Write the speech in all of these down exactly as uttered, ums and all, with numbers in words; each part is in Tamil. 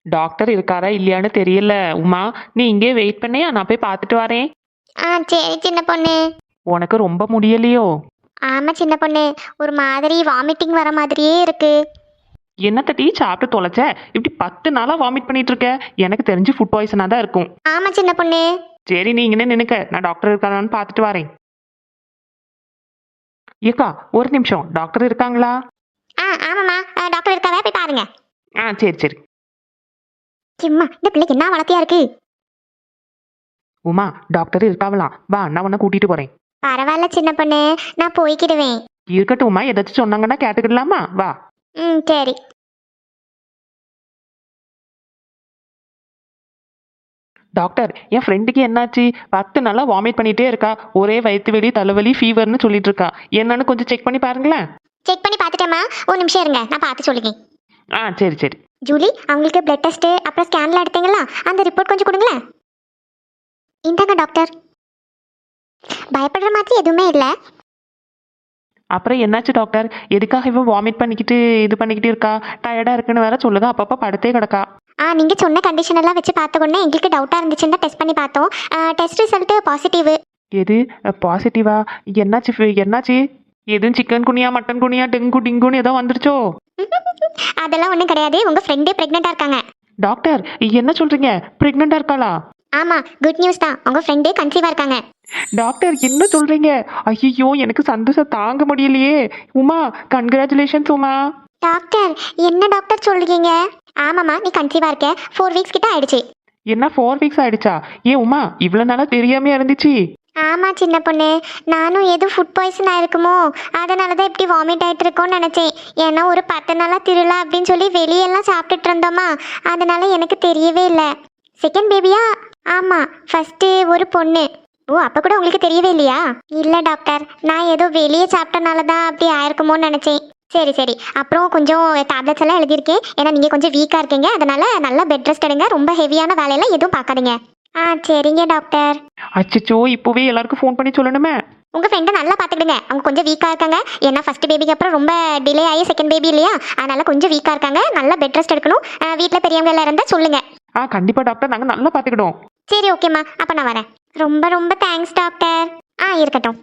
டாக்டர் இருக்காரா இல்லையான்னு தெரியல. உமா, நீ இங்கே வெயிட் பண்ணியா, நான் போய் பார்த்துட்டு வரேன். ஆ சரி சின்ன பொண்ணு. உனக்கு ரொம்ப முடியலையோ? ஆமா சின்ன பொண்ணு, ஒரு மாதிரி வாமிட்டிங் வர மாதிரியே இருக்கு. என்னத்த டீ சாப்பிட்டு தொலைச்ச? இப்படி பத்து நாளா வாமிட் பண்ணிட்டு இருக்க. எனக்கு தெரிஞ்சு ஃபுட் பாய்சனா தான் இருக்கும். ஆமா சின்ன பொண்ணு. சரி, நீ இங்கே நினைக்க, நான் டாக்டர் இருக்காரான்னு பார்த்துட்டு வரேன். ஏக்கா, ஒரு நிமிஷம், டாக்டர் இருக்காங்களா? ஆ ஆமாம்மா, அஹ், டாக்டர் இருக்காவே, போய் பாருங்க. ஆ சரி சரி. சும்மா இந்த பிள்ளைக்கு என்ன வளர்த்தியா இருக்கு. உமா, டாக்டர் இருக்காவலாம், வா நான் உன்னை கூட்டிட்டு போறேன். பரவாயில்ல சின்ன பொண்ணு, நான் போய்க்கிடுவேன். இருக்கட்டும் உமா, ஏதாச்சும் சொன்னாங்கன்னா கேட்டுக்கிடலாமா? வா. ம் சரி. டாக்டர், என் ஃப்ரெண்டுக்கு என்னாச்சு? பத்து நாளா வாமிட் பண்ணிட்டே இருக்கா. ஒரே வயிற்று வலி, தலைவலி, ஃபீவர்னு சொல்லிட்டு இருக்கா. என்னன்னு கொஞ்சம் செக் பண்ணி பாருங்களேன். செக் பண்ணி பார்த்துட்டேம்மா, ஒரு நிமிஷம் இருங்க, நான் பார்த்து சொல்லுங்க. ஆ சரி சரி. ஜூலி, அவங்களுக்கு பிளட் டெஸ்ட்டு அப்புறம் ஸ்கேன்லாம் எடுத்தீங்களா? அந்த ரிப்போர்ட் கொஞ்சம் கொடுங்களேன். இந்தாங்க டாக்டர். பயப்படுற மாதிரி எதுவுமே இல்லை. அப்புறம் என்னாச்சு டாக்டர்? எதுக்காக இவ வாமிட் பண்ணிக்கிட்டு இது பண்ணிக்கிட்டு இருக்கா? டயர்டா இருக்குன்னு வேற சொல்லுங்க, அப்பப்போ படுத்தே கிடக்கா. ஆ நீங்கள் சொன்ன கண்டிஷன் எல்லாம் வச்சு பார்த்த உடனே எங்களுக்கு டவுட்டாக இருந்துச்சுன்னு டெஸ்ட் பண்ணி பார்த்தோம். Test result positive. எது பாசிட்டிவா? என்னாச்சு ஃபி- என்னாச்சு? எதுவும் சிக்கன் குனியா, மட்டன் குனியா, டெங்கு டிங்குன்னு ஏதோ வந்துருச்சோ? அதெல்லாம் ஒன்றும் கிடையாது, உங்கள் ஃப்ரெண்டே ப்ரெக்னெண்ட்டாக இருக்காங்க. டாக்டர், என்ன சொல்றீங்க? பிரெக்னெண்டா இருக்காளா? ஆமாம், குட் நியூஸ் தான், உங்கள் ஃப்ரெண்டே கன்சீவாக இருக்காங்க. டாக்டர், என்ன சொல்றீங்க? ஐயோ, எனக்கு சந்தோஷம் தாங்க முடியலையே. உமா, கங்க்ராச்சுலேஷன்ஸ் உமா. டாக்டர், என்ன டாக்டர் சொல்றீங்க? ஆமாம்மா, நீ கன்சீவாக இருக்க, ஃபோர் வீக்ஸ் கிட்ட ஆயிடுச்சு. என்ன ஃபோர் வீக்ஸ் ஆயிடுச்சா? ஏன் உமா, இவ்வளவு நாளா தெரியாம இருந்துச்சு? ஆமாம் சின்ன பொண்ணு, நானும் எதுவும் ஃபுட் பாய்சன் ஆயிருக்குமோ, அதனால தான் இப்படி வாமிட் ஆகிட்டு இருக்கோன்னு நினச்சேன். ஏன்னா ஒரு பத்து நாளாக திருவிழா அப்படின்னு சொல்லி வெளியெல்லாம் சாப்பிட்டுட்டு இருந்தோமா, அதனால எனக்கு தெரியவே இல்லை. செகண்ட் பேபியா? ஆமாம், ஃபஸ்ட்டு ஒரு பொண்ணு. ஓ, அப்போ கூட உங்களுக்கு தெரியவே இல்லையா? இல்லை டாக்டர், நான் ஏதோ வெளியே சாப்பிட்டனால தான் அப்படி ஆயிருக்குமோன்னு நினச்சேன். சரி சரி, அப்புறம் கொஞ்சம் டேப்லெட்ஸ் எல்லாம் எழுதியிருக்கேன். ஏன்னா நீங்கள் கொஞ்சம் வீக்காக இருக்கீங்க, அதனால நல்லா பெட் ரெஸ்ட் எடுங்க, ரொம்ப ஹெவியான வேலையெல்லாம் எதுவும் பார்க்காதீங்க. ஆ சரிங்க டாக்டர். அச்சச்சோ, இப்போவே எல்லாருக்கும் ஃபோன் பண்ணி சொல்லணுமே. உங்கள் ஃப்ரெண்டை நல்லா பார்த்துக்கிடுங்க, அவங்க கொஞ்சம் வீக்காக இருக்காங்க. ஏன்னா ஃபர்ஸ்ட் பேபிக்கு அப்புறம் ரொம்ப டிலே ஆகி செகண்ட் பேபி இல்லையா, அதனால கொஞ்சம் வீக்காக இருக்காங்க, நல்லா பெட் ரெஸ்ட் எடுக்கணும். வீட்டில் பெரியவங்க எல்லாம் இருந்தால் சொல்லுங்க. ஆ கண்டிப்பா டாக்டர், நாங்க நல்லா பாத்துக்கிடுவோம். சரி ஓகேம்மா, அப்போ நான் வரேன். ரொம்ப ரொம்ப தேங்க்ஸ் டாக்டர். ஆ இருக்கட்டும்.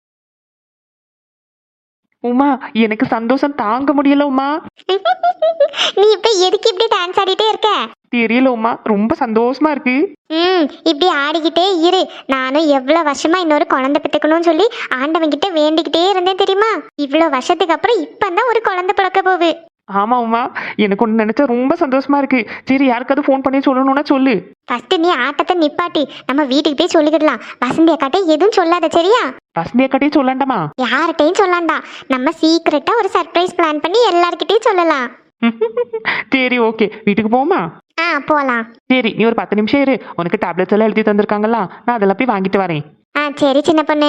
உமா, எனக்கு சந்தோஷம் தாங்க முடியல உமா. நீ இப்போ எதுக்கு இப்படி டான்ஸ் ஆடிட்டே இருக்க? தெரியல உமா, ரொம்ப சந்தோஷமா இருக்கு. ம் இப்படி ஆடிக்கிட்டே இரு. நானும் எவ்வளோ வருஷமா இன்னொரு குழந்தை பெற்றுக்கணும்னு சொல்லி ஆண்டவங்கிட்ட வேண்டிக்கிட்டே இருந்தேன் தெரியுமா? இவ்வளோ வருஷத்துக்கு அப்புறம் இப்போ தான் ஒரு குழந்தை பிறக்க போகுது. ஆமா உமா, எனக்கு ஒன்று நினைச்சா ரொம்ப சந்தோஷமா இருக்கு. சரி, யாருக்காவது ஃபோன் பண்ணி சொல்லணும்னா சொல்லு. ஃபர்ஸ்ட் நீ ஆட்டத்தை நிப்பாட்டி நம்ம வீட்டுக்கு போய் சொல்லிக்கிடலாம். வசந்தி அக்காட்டே எதுவும் சொல்லாத, சரியா? வசந்தியா கட்டி சொல்லண்டாமா? யார்கிட்டையும் சொல்லாண்டா. நம்ம சீக்கிரட்டா ஒரு சர்ப்ரைஸ் பிளான் பண்ணி எல்லார்கிட்டையும் சொல்லலாம். சரி ஓகே, வீட்டுக்கு போமா? ஆ போலாம். சரி, நீ ஒரு பத்து நிமிஷம் இரு, உனக்கு டேப்லெட்ஸ் எல்லாம் எழுதி தந்திருக்காங்களா, நான் அதெல்லாம் போய் வாங்கிட்டு வரேன். ஆ சரி சின்ன பொண்ணு.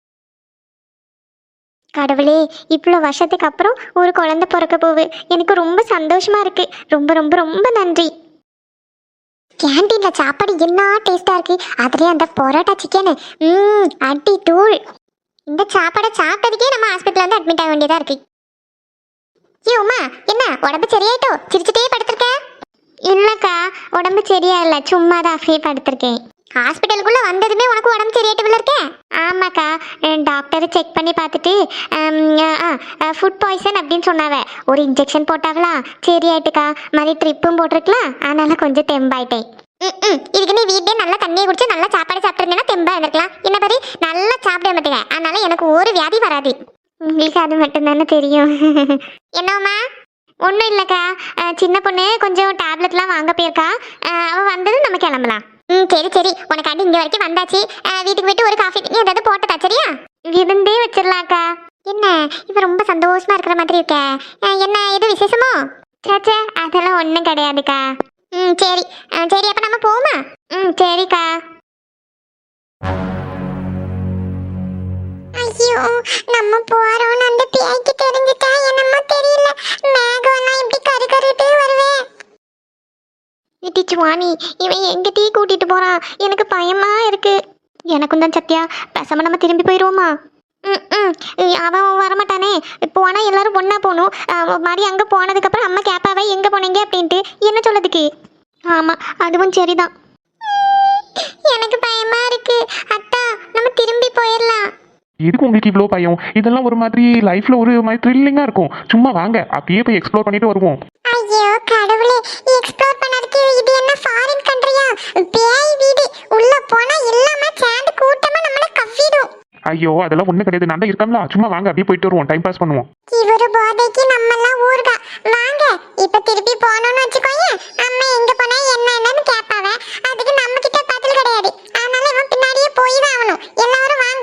கடவுளே, இவ்வளோ வருஷத்துக்கு அப்புறம் ஒரு குழந்தை பிறக்க போகுது, எனக்கு ரொம்ப சந்தோஷமா இருக்கு. ரொம்ப ரொம்ப ரொம்ப நன்றி. கேண்டீன்ல சாப்பாடு என்ன டேஸ்டா இருக்கு, அதுலயே அந்த பரோட்டா சிக்கனு, ம் அடி தூள். இந்த சாப்பாடை சாப்பிட்டதுக்கே நம்ம ஹாஸ்பிட்டல் வந்து அட்மிட் ஆக வேண்டியதா இருக்கு. ஏ உமா, என்ன உடம்பு சரியாயிட்டோ? சிரிச்சுட்டே படுத்திருக்க? இல்லக்கா, உடம்பு சரியா இல்லை, சும்மா தான் அப்படியே படுத்திருக்கேன். ஹாஸ்பிட்டலுக்குள்ள வந்ததுமே உனக்கு உடம்பு சரியாயிட்டு இருக்கேன்? ஆமாக்கா, டாக்டர் செக் பண்ணி பார்த்துட்டு ஃபுட் பாய்சன் அப்படின்னு சொன்னாவ. ஒரு இன்ஜெக்ஷன் போட்டாவளா, சரியாயிட்டுக்கா. மாதிரி ட்ரிப்பும் போட்டிருக்கலாம், அதனால கொஞ்சம் தெம்பாயிட்டேன். ம் இதுக்கு நீ வீட்லயே நல்லா தண்ணியை குடிச்சு நல்லா சாப்பாடு சாப்பிட்டுருந்தேன்னா தெம்பா இருந்திருக்கலாம். என்ன பாரு, நல்லா சாப்பிட மாட்டேங்க, அதனால எனக்கு ஒரு வியாதி வராது. உங்களுக்கு அது மட்டும்தானே தெரியும். என்னம்மா? ஒன்றும் இல்லைக்கா, சின்ன பொண்ணு கொஞ்சம் டேப்லெட்லாம் வாங்க போயிருக்கா. அவள் வந்ததும் நம்ம கிளம்பலாம். ம் சரி சரி, உனக்காண்டி இங்கே வரைக்கும் வந்தாச்சு. வீட்டுக்கு போயிட்டு ஒரு காஃபி நீ ஏதாவது போட்டதா, சரியா? விருந்தே வச்சிடலாம்க்கா. என்ன இப்போ ரொம்ப சந்தோஷமா இருக்கிற மாதிரி இருக்க, என்ன எது விசேஷமோ? சேச்சே, அதெல்லாம் ஒன்றும் கிடையாதுக்கா. ம் சரி சரி, அப்போ நம்ம போமா? ம் சரிக்கா. ஐயோ, நம்ம போறோம்னு அந்த பேய்க்கு தெரிஞ்சுட்டா என்னமோ தெரியல, மேகம்லாம் இப்படி கரு கருட்டே வருவேன். சுவாமி, இவன் எங்க டீ கூட்டிட்டு போறான், எனக்கு பயமா இருக்கு. எனக்கும் தான் சத்யா, பேசாம நம்ம திரும்பி போயிடுவோமா? ம் ம் அவன் வரமாட்டானே, போனா எல்லாரும் ஒன்னா போகணும். மாதிரி அங்கே போனதுக்கப்புறம் அம்மா கேப்பாவை எங்கே போனீங்க அப்படின்ட்டு என்ன சொல்லதுக்கு? ஆமா, அதுவும் சரிதான். எனக்கு பயமா இருக்கு அத்தா. நம்ம திரும்பி போயிடலாம். எதுக்கு உங்களுக்கு இவ்வளோ பயம்? இதெல்லாம் ஒரு மாதிரி லைஃப்ல ஒரு மாதிரி த்ரில்லிங்கா இருக்கும். சும்மா வாங்க அப்படியே போய் எக்ஸ்ப்ளோர் பண்ணிட்டு வருவோம். ஐயோ கடவுளே, எக்ஸ்ப்ளோர் பண்ணதுக்கு இது என்ன ஃபாரின் கண்ட்ரியா? பேய் வீடு. உள்ள போனா எல்லாமே சேர்ந்து கூட்டமா நம்மள கவ்விடும். ஐயோ அதெல்லாம் ஒன்றும் கிடையாது, நான் தான் இருக்கேன்ல. சும்மா வாங்க அப்படியே போயிட்டு வருவோம், டைம் பாஸ் பண்ணுவோம். இவரு போதைக்கு நம்ம எல்லாம் ஊர்கா. வாங்க இப்ப திருப்பி போனோம்னு வச்சுக்கோங்க, அம்மா எங்க போனா என்ன என்னன்னு கேட்பாவ. அதுக்கு நம்ம கிட்ட பதில் கிடையாது. அதனால இவன் பின்னாடியே போய் தான் ஆகணும். எல்லாரும் வாங்க.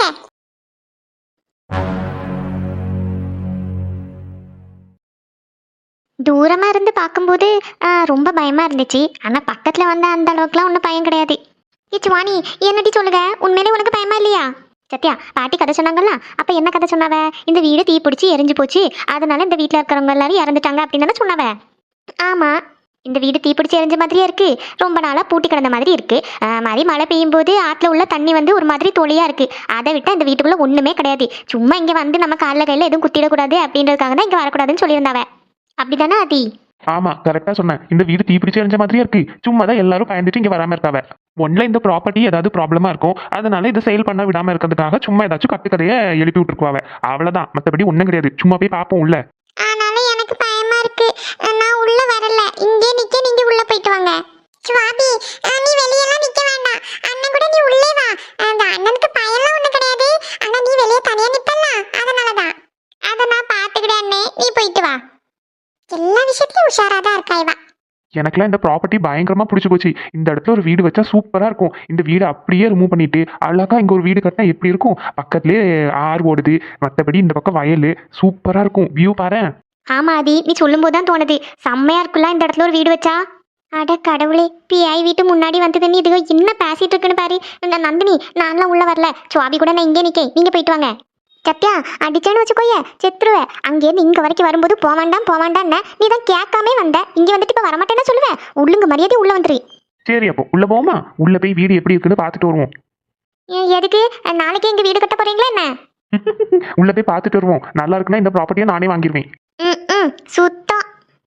தூரமா இருந்து பார்க்கும்போது ஆ, ரொம்ப பயமா இருந்துச்சு. ஆனா பக்கத்துல வந்த அந்த அளவுக்குலாம் ஒன்றும் பயம் கிடையாது. ஏ சுவாணி, என்னடி சொல்லுங்க, உண்மையிலே உனக்கு பயமா இல்லையா? சத்யா, பாட்டி கதை சொன்னாங்கல்ல, அப்ப என்ன கதை சொன்னாவ? இந்த வீடு தீ பிடிச்சி எரிஞ்சு போச்சு, அதனால இந்த வீட்டில் இருக்கிறவங்க எல்லாரும் இறந்துட்டாங்க அப்படின்னு தானே சொன்னாவ? ஆமா, இந்த வீடு தீப்பிடிச்சு எரிஞ்ச மாதிரியே இருக்கு. ரொம்ப நாளா பூட்டி கிடந்த மாதிரி இருக்கு. ஆஹ் மாதிரி மழை பெய்யும் போது ஆற்றுல உள்ள தண்ணி வந்து ஒரு மாதிரி தொளியா இருக்கு. அதை விட்டா இந்த வீட்டுக்குள்ள ஒண்ணுமே கிடையாது. சும்மா இங்க வந்து நம்ம காலில் கையில எதுவும் குத்திடக்கூடாது அப்படின்றதுக்காக தான் இங்க வரக்கூடாதுன்னு சொல்லியிருந்தாவ. அப்படிதானே ஆதி? ஆமா கரெக்டா சொன்னேன். இந்த வீடு தீப்பிடிச்சு எரிஞ்ச மாதிரியே இருக்கு. சும்மா தான் எல்லாரும் பயந்துட்டு இங்க வராம இருக்காவ. ஒன்ல இந்த ப்ராப்பர்ட்டி ஏதாவது ப்ராப்ளமா இருக்கும், அதனால இதை சேல் பண்ண விடாம இருக்கிறதுக்காக சும்மா ஏதாச்சும் கட்டு கதையை எழுப்பி விட்டுருக்குவாவ. அவ்வளவுதான், மத்தபடி ஒண்ணும் கிடையாது. சும்மா போய் பார்ப்போம் உள்ள. ஆனாலும் எனக்கு பயமா இருக்கு. நான் உள்ள வரல. இங்கே நிக்க, நீங்க உள்ள போயிட்டு வாங்க. சுவாபி, நீ வெளியெல்லாம் நிக்க வேண்டாம். அண்ணன் கூட நீ உள்ளே வா. அந்த அண்ணனுக்கு பயம்லாம் ஒண்ணும் கிடையாது. ஆனா நீ வெளியே தனியா நிப்பல, அதனாலதான். அத நான் பாத்துக்கிட்டேன் அண்ணே, நீ போயிட்டு வா. எல்லா விஷயத்திலும் உஷாராதான் இருக்கா இவா. எனக்குலாம் இந்த ப்ராப்பர்ட்டி பயங்கரமா பிடிச்சி போச்சு. இந்த இடத்துல ஒரு வீடு வச்சா சூப்பரா இருக்கும். இந்த வீடு அப்படியே ரிமூவ் பண்ணிட்டு அழகா இங்க ஒரு வீடு கட்டினா எப்படி இருக்கும்? பக்கத்துலயே ஆறு ஓடுது, மற்றபடி இந்த பக்கம் வயல், சூப்பரா இருக்கும். வியூ பாரு. ஆமா ஆதி, நீ சொல்லும் போதுதான் தோணுது, செம்மையா இருக்குல்ல இந்த இடத்துல ஒரு வீடு வச்சா. அட கடவுளே, பிஐ வீட்டு முன்னாடி வந்தது நீ இதுக என்ன பேசிட்டு இருக்குன்னு பாரு. இந்த நந்தினி, நான்லாம் உள்ள வரல. சுவாபி கூட நான் இங்கே நிக்கேன், நீங்க போயிட்டு வாங்க. சத்யா, அடிச்சேன்னு வச்சுக்கோய செத்துருவ. அங்கேருந்து இங்க வரைக்கும் வரும்போது போவாண்டாம் போவாண்டான்னு நீ தான் கேட்காமே வந்த. இங்க வந்துட்டு இப்ப வரமாட்டேன்னு சொல்லுவேன். உள்ளுங்க மரியாதை உள்ள வந்துரு. சரி அப்போ உள்ள போவோமா? உள்ள போய் வீடு எப்படி இருக்குன்னு பார்த்துட்டு வருவோம். ஏன், எதுக்கு? நாளைக்கு இங்க வீடு கட்ட போறீங்களா என்ன? உள்ள போய் பார்த்துட்டு வருவோம். நல்லா இருக்குன்னா இந்த ப்ராப்பர்ட்டியை நானே வாங்கிடுவேன். ம் ம் சுத்தம்.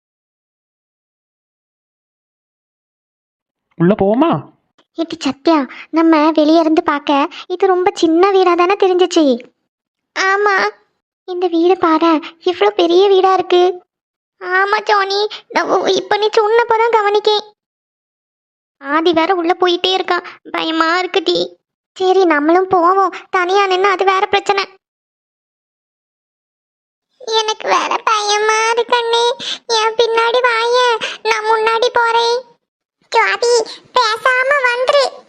உள்ள போவோமா? இது சத்யா, நம்ம வெளியே இருந்து பார்க்க இது ரொம்ப சின்ன வீடா தானே தெரிஞ்சிச்சு. ஆமா, இந்த வீடு பாரு, இவ்வளோ பெரிய வீடா இருக்கு. ஆமா ஜானி, நான் இப்ப நீ சொன்னப்பதான் கவனிக்கேன். ஆதி வேற உள்ள போயிட்டே இருக்கான், பயமா இருக்குடி. சரி நம்மளும் போவோம். தனியா நின்று அது வேற பிரச்சனை. எனக்கு வேற பயமா இருக்கண்ணே. என் பின்னாடி வாய, நான் முன்னாடி போறேன். ஜாதி, பேசாம வந்துரு.